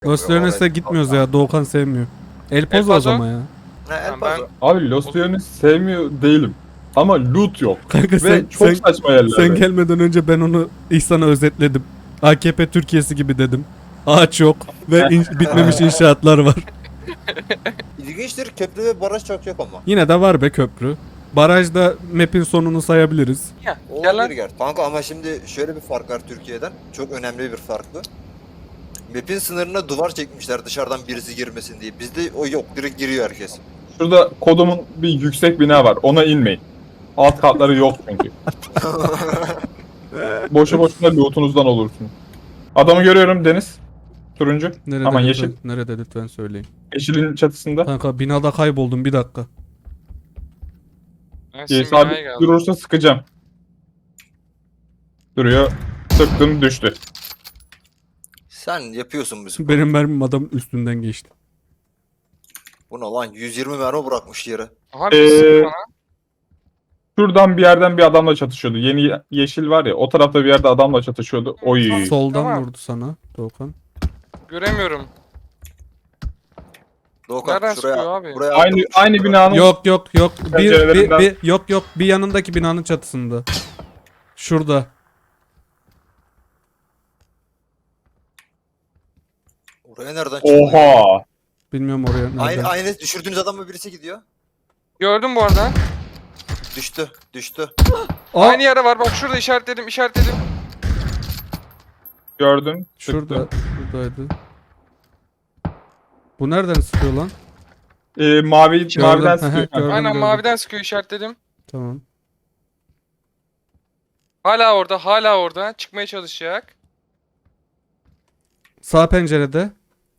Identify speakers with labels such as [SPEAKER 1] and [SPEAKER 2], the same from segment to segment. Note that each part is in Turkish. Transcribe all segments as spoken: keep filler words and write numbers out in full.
[SPEAKER 1] Los Leones'e gitmiyoruz ya. Doğukan sevmiyor. El Pozo
[SPEAKER 2] El
[SPEAKER 1] o
[SPEAKER 2] Paso.
[SPEAKER 1] zaman ya.
[SPEAKER 3] Ne El
[SPEAKER 2] Ben-
[SPEAKER 3] Paso.
[SPEAKER 4] Abi Los Leones sevmiyor değilim. Ama loot yok.
[SPEAKER 1] Kanka
[SPEAKER 4] Ve
[SPEAKER 1] sen,
[SPEAKER 4] çok
[SPEAKER 1] sen,
[SPEAKER 4] saçma yerlerde.
[SPEAKER 1] sen gelmeden önce ben onu İhsan'a özetledim. A K P Türkiye'si gibi dedim. Ağaç yok ve in- bitmemiş inşaatlar var.
[SPEAKER 3] İlginçtir, köprü ve baraj çok yok ama.
[SPEAKER 1] Yine de var be köprü. Barajda map'in sonunu sayabiliriz.
[SPEAKER 2] Ya, gel lan.
[SPEAKER 3] Olabilir ger. Kanka ama şimdi şöyle bir fark var Türkiye'den. Çok önemli bir fark bu. Map'in sınırına duvar çekmişler dışarıdan birisi girmesin diye. Bizde o yok. Direkt giriyor herkes.
[SPEAKER 4] Şurada kodumun bir yüksek bina var. Ona inmeyin. Alt katları yok çünkü. Boşu boşuna lootunuzdan olursunuz. Adamı görüyorum Deniz. Turuncu.
[SPEAKER 1] Nerede
[SPEAKER 4] Aman
[SPEAKER 1] lütfen,
[SPEAKER 4] yeşil.
[SPEAKER 1] nerede lütfen söyleyin.
[SPEAKER 4] Yeşilin çatısında.
[SPEAKER 1] Kanka binada kayboldum bir dakika.
[SPEAKER 2] Ben
[SPEAKER 4] Ee,
[SPEAKER 2] sizin
[SPEAKER 4] sabit
[SPEAKER 2] binaya geldim.
[SPEAKER 4] durursa sıkacağım. Duruyor. Sıktım düştü.
[SPEAKER 3] Sen yapıyorsun bizim.
[SPEAKER 1] Benim mermim adam üstünden geçti.
[SPEAKER 3] Bu ne lan? yüz yirmi mermi bırakmış yere.
[SPEAKER 2] Aha bir
[SPEAKER 4] Ee,
[SPEAKER 2] sıkı bana.
[SPEAKER 4] Şuradan bir yerden bir adamla çatışıyordu. Yeni ye- yeşil var ya, o tarafta bir yerde adamla çatışıyordu. Oy.
[SPEAKER 1] Soldan
[SPEAKER 2] Tamam.
[SPEAKER 1] vurdu sana Doğukan.
[SPEAKER 2] Göremiyorum.
[SPEAKER 3] Doğukan
[SPEAKER 2] Nereden
[SPEAKER 3] şuraya,
[SPEAKER 2] sıkıyor abi?
[SPEAKER 3] buraya
[SPEAKER 4] Aynı
[SPEAKER 3] attım.
[SPEAKER 4] aynı binanın
[SPEAKER 1] Yok yok yok. Bir, bir,
[SPEAKER 4] Pencerelerinden-
[SPEAKER 1] bir, yok yok bir yanındaki binanın çatısında. Şurada.
[SPEAKER 3] Oraya nereden çıktı?
[SPEAKER 4] Oha.
[SPEAKER 1] Bilmiyorum oraya nereden.
[SPEAKER 3] Aynı, aynı düşürdüğünüz adamla birisi gidiyor.
[SPEAKER 2] Gördüm bu arada.
[SPEAKER 3] Düştü, düştü.
[SPEAKER 1] Aa,
[SPEAKER 2] Aynı yere var bak şurada işaretledim işaretledim.
[SPEAKER 4] Gördüm.
[SPEAKER 1] şurada.
[SPEAKER 4] Sıktım.
[SPEAKER 1] Şuradaydı. Bu nereden sıkıyor lan?
[SPEAKER 4] Ee, mavi
[SPEAKER 1] Gördüm,
[SPEAKER 4] maviden
[SPEAKER 1] hı hı,
[SPEAKER 4] sıkıyor.
[SPEAKER 1] gördüm.
[SPEAKER 2] Aynen maviden sıkıyor işaretledim.
[SPEAKER 1] Tamam.
[SPEAKER 2] Hala orada hala orada çıkmaya çalışacak.
[SPEAKER 1] Sağ pencerede.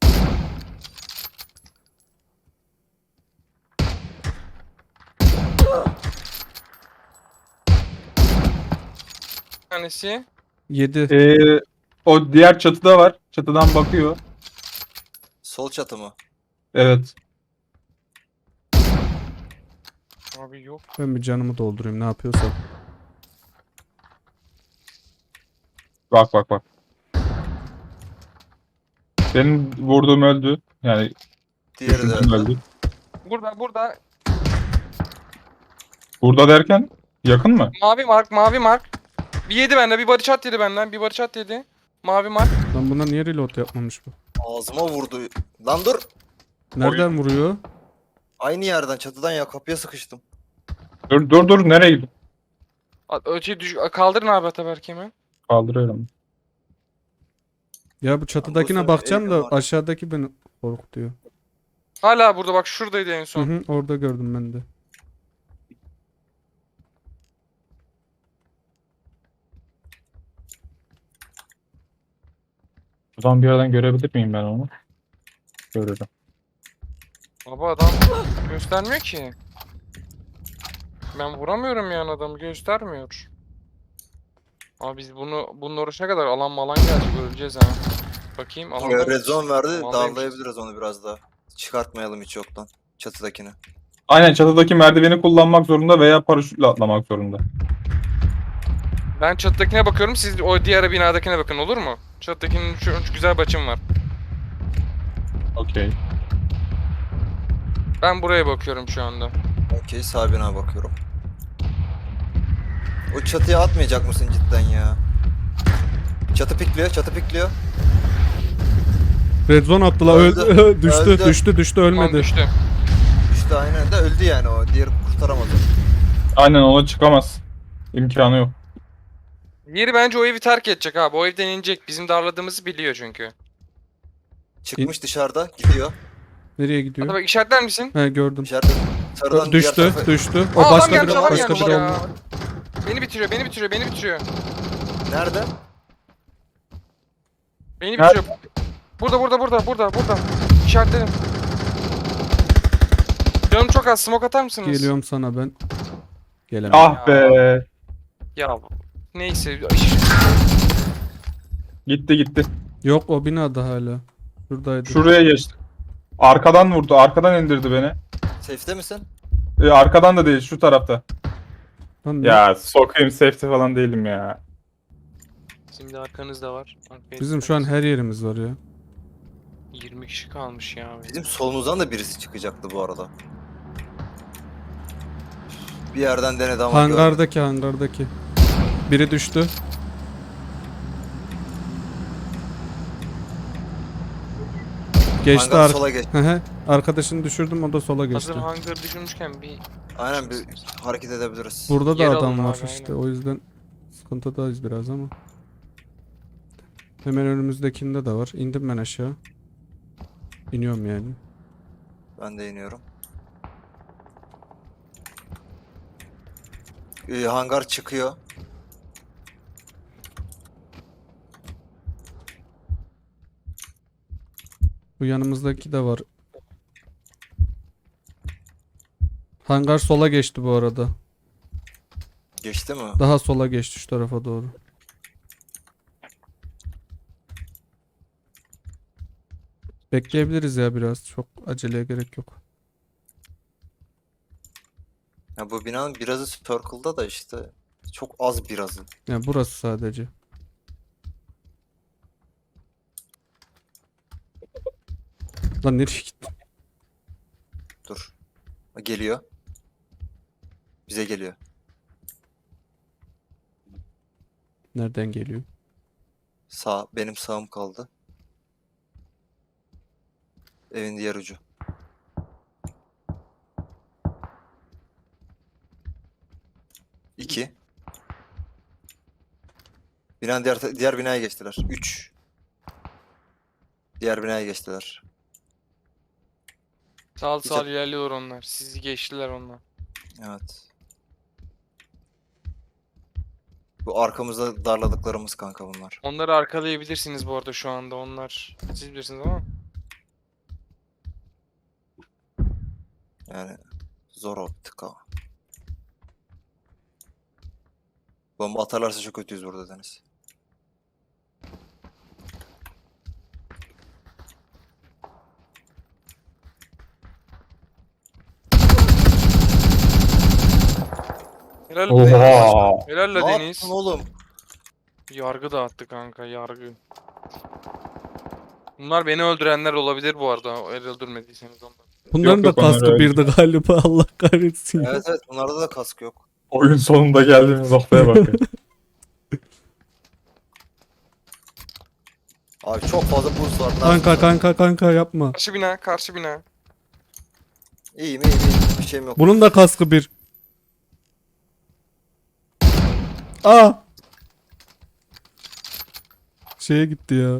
[SPEAKER 2] Bir tanesi.
[SPEAKER 1] Yedi.
[SPEAKER 4] Ee, o diğer çatıda var. Çatıdan bakıyor.
[SPEAKER 3] Sol çatı mı?
[SPEAKER 4] Evet.
[SPEAKER 2] Abi yok.
[SPEAKER 1] Ben bir canımı doldurayım ne yapıyorsam.
[SPEAKER 4] Bak bak bak. Benim vurduğum öldü. Yani
[SPEAKER 3] Diğeri de
[SPEAKER 4] düşürdüğüm
[SPEAKER 3] öldü.
[SPEAKER 4] öldü.
[SPEAKER 2] Burada burada
[SPEAKER 4] Burada derken yakın mı?
[SPEAKER 2] mavi mark mavi mark. Bir yedi benden bir body shot yedi benden bir body shot yedi. Mavi mark.
[SPEAKER 1] Lan buna niye reload yapmamış bu?
[SPEAKER 3] Ağzıma vurdu. Lan dur.
[SPEAKER 1] Nereden vuruyor?
[SPEAKER 3] Aynı yerden çatıdan ya kapıya sıkıştım.
[SPEAKER 4] Dur dur dur, nereye gidiyorsun?
[SPEAKER 2] A- Ölçeyi düş kaldırın abi Ataberk hemen.
[SPEAKER 4] Kaldırıyorum.
[SPEAKER 1] Ya bu çatıdakine
[SPEAKER 3] sefer
[SPEAKER 1] bakacağım da
[SPEAKER 3] elim var.
[SPEAKER 1] aşağıdaki beni korkutuyor.
[SPEAKER 2] Hala burada bak şuradaydı en
[SPEAKER 1] Hı
[SPEAKER 2] son.
[SPEAKER 1] hı, orada gördüm ben de.
[SPEAKER 4] Buradan bir yerden görebilir miyim ben onu? Görürüm.
[SPEAKER 2] Baba adam göstermiyor ki. Ben vuramıyorum yani adamı göstermiyor. Abi biz bunu bunun uğraşına kadar alan malan gelecek öleceğiz ha. Bakayım alan.
[SPEAKER 3] Red zone verdi.
[SPEAKER 2] Vallahi
[SPEAKER 3] Darlayabiliriz onu biraz daha. Çıkartmayalım hiç yoktan. Çatıdakini.
[SPEAKER 4] Aynen, çatıdaki merdiveni kullanmak zorunda veya paraşütle atlamak zorunda.
[SPEAKER 2] Ben çatıdakine bakıyorum siz o diğer binadakine bakın olur mu? Çatıdakinin şu, şu güzel başım var.
[SPEAKER 4] Okey.
[SPEAKER 2] Ben buraya bakıyorum şu anda.
[SPEAKER 3] Okey, sağ bina bakıyorum. O çatıya atmayacak mısın cidden ya? Çatı pikliyor, çatı pikliyor.
[SPEAKER 1] Red zone attılar.
[SPEAKER 3] Öldü.
[SPEAKER 1] Öldü. düştü,
[SPEAKER 3] Öldü.
[SPEAKER 1] düştü, düştü,
[SPEAKER 2] Tamam
[SPEAKER 1] ölmedi.
[SPEAKER 2] düştü.
[SPEAKER 3] İşte aynen de öldü yani o. Diğeri kurtaramadı.
[SPEAKER 4] Aynen, ona çıkamaz. İmkanı yok.
[SPEAKER 2] Diğeri bence o evi terk edecek abi. O evden inecek. Bizim darladığımızı biliyor çünkü.
[SPEAKER 3] Çıkmış dışarıda, gidiyor.
[SPEAKER 1] Nereye gidiyor?
[SPEAKER 2] Hadi bak işaretler misin?
[SPEAKER 1] He gördüm.
[SPEAKER 3] Dışarıda sarıdan diğer
[SPEAKER 1] Düştü,
[SPEAKER 3] tarafa-
[SPEAKER 1] düştü. O
[SPEAKER 2] Aa, adam
[SPEAKER 1] başka
[SPEAKER 2] gelmiş,
[SPEAKER 1] bir
[SPEAKER 2] adam
[SPEAKER 1] başka
[SPEAKER 2] gelmiş
[SPEAKER 1] bir
[SPEAKER 2] ya.
[SPEAKER 1] oldu.
[SPEAKER 2] Beni bitiriyor, beni bitiriyor, beni bitiriyor.
[SPEAKER 3] Nerede?
[SPEAKER 2] Beni
[SPEAKER 4] Nerede?
[SPEAKER 2] bitiriyor. Burada, burada, burada, burada, burada. İşaretledim. Canım çok az. Smoke atar mısınız?
[SPEAKER 1] Geliyorum sana ben. Gelemem.
[SPEAKER 4] Ah be.
[SPEAKER 2] Ya neyse.
[SPEAKER 4] Gitti gitti.
[SPEAKER 1] Yok o binada hala. Şuradaydı.
[SPEAKER 4] Şuraya geçti. Arkadan vurdu. Arkadan indirdi beni.
[SPEAKER 3] Safe'te misin?
[SPEAKER 4] Ee, arkadan da değil, şu tarafta.
[SPEAKER 1] Lan ne-
[SPEAKER 4] Ya sokayım, safety falan değilim ya.
[SPEAKER 2] Şimdi arkanızda var.
[SPEAKER 1] Bizim şu an her yerimiz var ya.
[SPEAKER 2] yirmi kişi kalmış ya.
[SPEAKER 3] Bizim solumuzdan da birisi çıkacaktı bu arada. Bir yerden denedi ama görmedim.
[SPEAKER 1] Hangardaki hangardaki. Biri düştü. Geçti
[SPEAKER 3] Hangar
[SPEAKER 1] ar-
[SPEAKER 3] sola geç.
[SPEAKER 1] Hı hı. Arkadaşını düşürdüm, o da sola geçti.
[SPEAKER 2] Hazır hangar düşünmüşken bir
[SPEAKER 3] Aynen bir hareket edebiliriz.
[SPEAKER 1] Burada da
[SPEAKER 2] Yer
[SPEAKER 1] adam
[SPEAKER 2] alın
[SPEAKER 1] var
[SPEAKER 2] abi,
[SPEAKER 1] işte,
[SPEAKER 2] aynen.
[SPEAKER 1] o yüzden sıkıntıdayız biraz ama. Hemen önümüzdekinde de var. İndim ben aşağı. İniyorum yani.
[SPEAKER 3] Ben de iniyorum. Ee, hangar çıkıyor.
[SPEAKER 1] Bu yanımızdaki de var. Hangar sola geçti bu arada.
[SPEAKER 3] Geçti mi?
[SPEAKER 1] Daha sola geçti, şu tarafa doğru. Bekleyebiliriz ya biraz. Çok aceleye gerek yok.
[SPEAKER 3] Ya bu binanın birazı circle'da da işte çok az birazı.
[SPEAKER 1] Yani burası sadece. Lan nereye gitti?
[SPEAKER 3] Dur. Geliyor. Bize geliyor.
[SPEAKER 1] Nereden geliyor?
[SPEAKER 3] Sağ, benim sağım kaldı. Evin diğer ucu. İki. Binanın diğer, diğer binaya geçtiler. Üç. Diğer binaya geçtiler.
[SPEAKER 2] sağ
[SPEAKER 3] Hiç-
[SPEAKER 2] sağ ilerliyor onlar. Sizi geçtiler onlar.
[SPEAKER 3] Evet. Bu arkamızda darladıklarımız kanka bunlar.
[SPEAKER 2] Onları arkalayabilirsiniz bu arada şu anda onlar. Siz bilirsiniz ama.
[SPEAKER 3] Yani zor optik ha. Bomba atarlarsa çok kötüyüz burada Deniz.
[SPEAKER 2] Helal be Deniz.
[SPEAKER 4] Oha.
[SPEAKER 2] Helal la
[SPEAKER 3] Ne
[SPEAKER 2] Deniz.
[SPEAKER 3] yaptın oğlum?
[SPEAKER 2] Yargı dağıttı kanka, yargı. Bunlar beni öldürenler olabilir bu arada. El öldürmediyseniz onları.
[SPEAKER 1] Bunların
[SPEAKER 4] Yok,
[SPEAKER 1] da
[SPEAKER 4] yok, onlar
[SPEAKER 1] kaskı
[SPEAKER 4] öyle.
[SPEAKER 1] birdi galiba. Allah kahretsin ya.
[SPEAKER 3] Evet evet bunlarda da kask yok.
[SPEAKER 4] Oyun sonunda geldiğimiz noktaya bak. ya.
[SPEAKER 3] Abi çok fazla boost var.
[SPEAKER 1] Kanka kanka kanka yapma.
[SPEAKER 2] Karşı bina, karşı bina.
[SPEAKER 3] İyiyim iyiyim iyiyim. Bir şeyim yok.
[SPEAKER 1] Bunun da kaskı bir. Aa! Şeye gitti ya.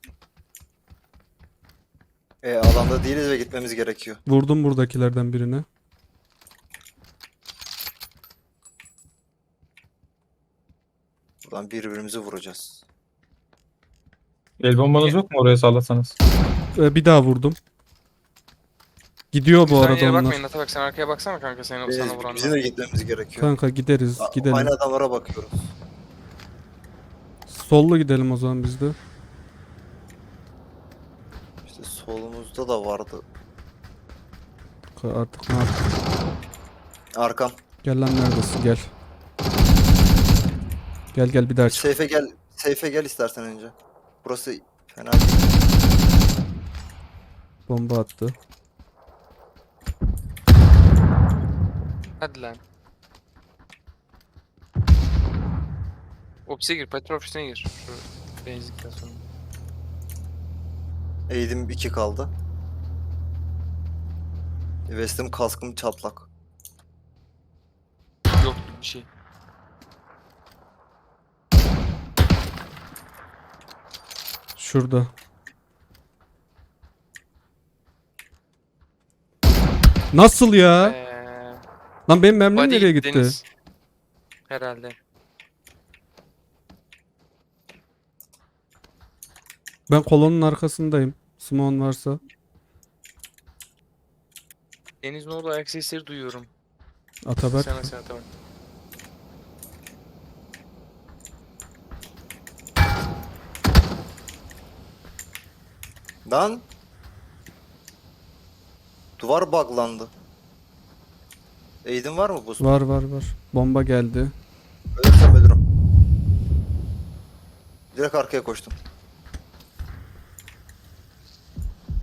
[SPEAKER 3] E, alanda değiliz ve gitmemiz gerekiyor.
[SPEAKER 1] Vurdum buradakilerden birine.
[SPEAKER 3] Buradan birbirimizi vuracağız.
[SPEAKER 4] El bombanız yok mu oraya sallasanız?
[SPEAKER 1] Ee, bir daha vurdum. Gidiyor bu
[SPEAKER 2] Sen
[SPEAKER 1] arada
[SPEAKER 2] yere
[SPEAKER 1] onlar.
[SPEAKER 2] bakmayın, Ata bak sen arkaya baksana kanka seni,
[SPEAKER 3] Biz,
[SPEAKER 2] sana vuranlar.
[SPEAKER 3] bizim de gitmemiz gerekiyor.
[SPEAKER 1] Kanka gideriz,
[SPEAKER 3] A-
[SPEAKER 1] gidelim.
[SPEAKER 3] Aynı adamlara bakıyoruz.
[SPEAKER 1] Sollu gidelim o zaman biz de.
[SPEAKER 3] İşte solumuzda da vardı.
[SPEAKER 1] Ka- Artık ne yapayım?
[SPEAKER 3] Arkam.
[SPEAKER 1] Gel lan, neredesin, gel. Gel gel bir daha çık.
[SPEAKER 3] Seyfe gel. Seyfe gel istersen önce. Burası fena değil.
[SPEAKER 1] Bomba attı.
[SPEAKER 2] Hadi lan. Ofise gir, petrol ofisine gir. Şu benzin istasyonu.
[SPEAKER 3] Eğdim iki kaldı. Vestim kaskım çatlak.
[SPEAKER 2] Yok bir şey.
[SPEAKER 1] Şurada. Nasıl ya?
[SPEAKER 2] Eee...
[SPEAKER 1] Lan benim mermim
[SPEAKER 2] Body
[SPEAKER 1] nereye gitti?
[SPEAKER 2] Deniz. Herhalde.
[SPEAKER 1] Ben kolonun arkasındayım. Simon varsa.
[SPEAKER 2] Deniz'in orada ayak sesleri duyuyorum.
[SPEAKER 1] Ataberk.
[SPEAKER 2] Sana sen Ataberk.
[SPEAKER 3] Lan. Duvar buglandı. Eğdim var mı bu?
[SPEAKER 1] Var var var. Bomba geldi.
[SPEAKER 3] Ölürsem ölürüm. Direkt arkaya koştum.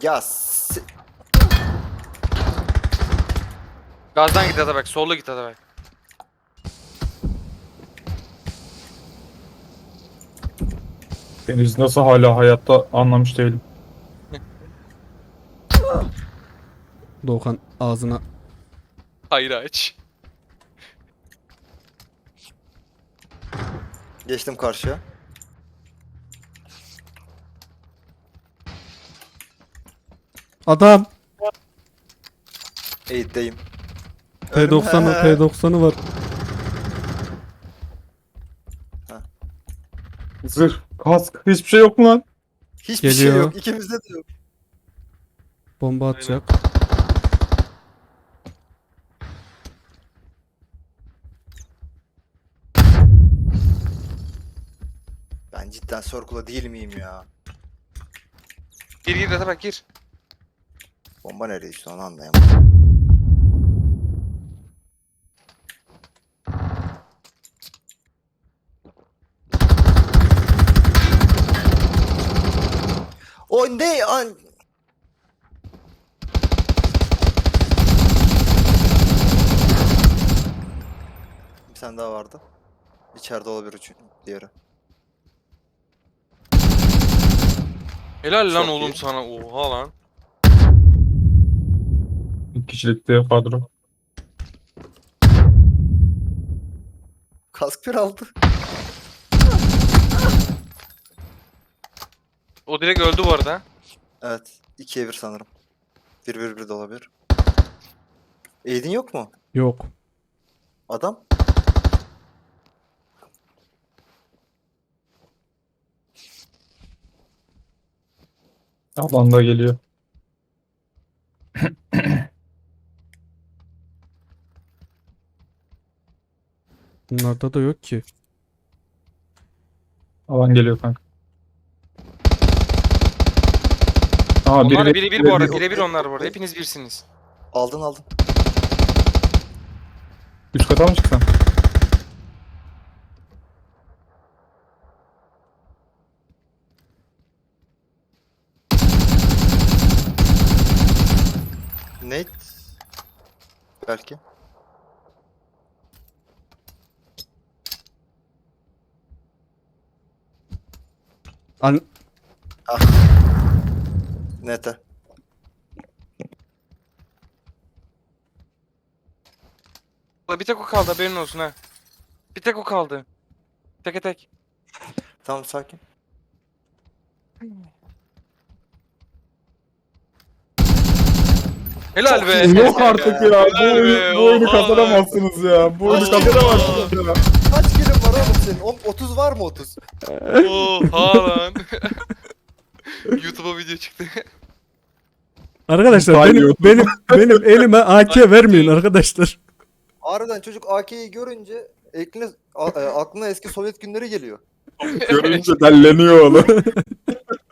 [SPEAKER 3] Ya s-
[SPEAKER 2] Gazdan git Atabek. Sollu git Atabek.
[SPEAKER 4] Deniz nasıl hala hayatta anlamış değilim.
[SPEAKER 1] Doğukan ağzına.
[SPEAKER 2] Hayır aç.
[SPEAKER 3] geçtim karşıya.
[SPEAKER 1] Adam.
[SPEAKER 3] Eğitteyim.
[SPEAKER 1] P doksanı P doksanı var.
[SPEAKER 4] Zırh, kask, hiçbir şey yok mu lan?
[SPEAKER 3] Hiçbir şey
[SPEAKER 1] Geliyor.
[SPEAKER 3] yok. İkimizde de yok.
[SPEAKER 1] Bomba atacak.
[SPEAKER 3] Ben cidden Circle'da değil miyim ya?
[SPEAKER 2] Gir gir Atabek gir.
[SPEAKER 3] Bomba nereye düştü onu anlayamadım. O ne an? Bir tane daha vardı. İçeride olabilir üçün diğeri.
[SPEAKER 2] Helal lan
[SPEAKER 3] Çok
[SPEAKER 2] oğlum
[SPEAKER 3] iyi.
[SPEAKER 2] sana. Oha lan.
[SPEAKER 4] İki kişilikte kadro.
[SPEAKER 3] Kask bir aldı.
[SPEAKER 2] O direkt öldü bu arada.
[SPEAKER 3] Evet. ikiye bir sanırım. bir bir bir de olabilir. Aid'in yok mu?
[SPEAKER 1] Yok.
[SPEAKER 3] Adam?
[SPEAKER 4] Alan da geliyor.
[SPEAKER 1] Bunlarda da yok ki.
[SPEAKER 4] Alan geliyor kanka. Aa,
[SPEAKER 2] Onlar
[SPEAKER 4] biri,
[SPEAKER 2] biri bir bu arada.
[SPEAKER 3] bir-
[SPEAKER 2] Bire bir onlar bu arada. Hepiniz birsiniz.
[SPEAKER 3] Aldın aldın.
[SPEAKER 4] üst kata mı çıksan?
[SPEAKER 3] Nate? Belki.
[SPEAKER 1] An
[SPEAKER 3] Nete.
[SPEAKER 2] Bir tek o kaldı haberin olsun ha. Bir tek o kaldı. Teke tek.
[SPEAKER 3] Tamam sakin.
[SPEAKER 2] Helal
[SPEAKER 3] Çok
[SPEAKER 2] be.
[SPEAKER 3] iyi.
[SPEAKER 4] Yok artık ya. Bu
[SPEAKER 2] Helal
[SPEAKER 4] oyunu,
[SPEAKER 2] be,
[SPEAKER 4] bu oyunu
[SPEAKER 2] oha.
[SPEAKER 4] kazanamazsınız ya. Bu oyunu
[SPEAKER 2] Oha.
[SPEAKER 4] kazanamazsınız ya.
[SPEAKER 3] Kaç kilim var oğlum senin? O- otuz var mı otuz?
[SPEAKER 2] Oha lan. YouTube'a video çıktı.
[SPEAKER 1] arkadaşlar
[SPEAKER 4] Hayır,
[SPEAKER 1] benim
[SPEAKER 4] yok.
[SPEAKER 1] benim benim elime A K vermeyin arkadaşlar.
[SPEAKER 3] Harbiden çocuk A K'yi görünce ekline, a- e, aklına eski Sovyet günleri geliyor.
[SPEAKER 4] Görünce delleniyor oğlum.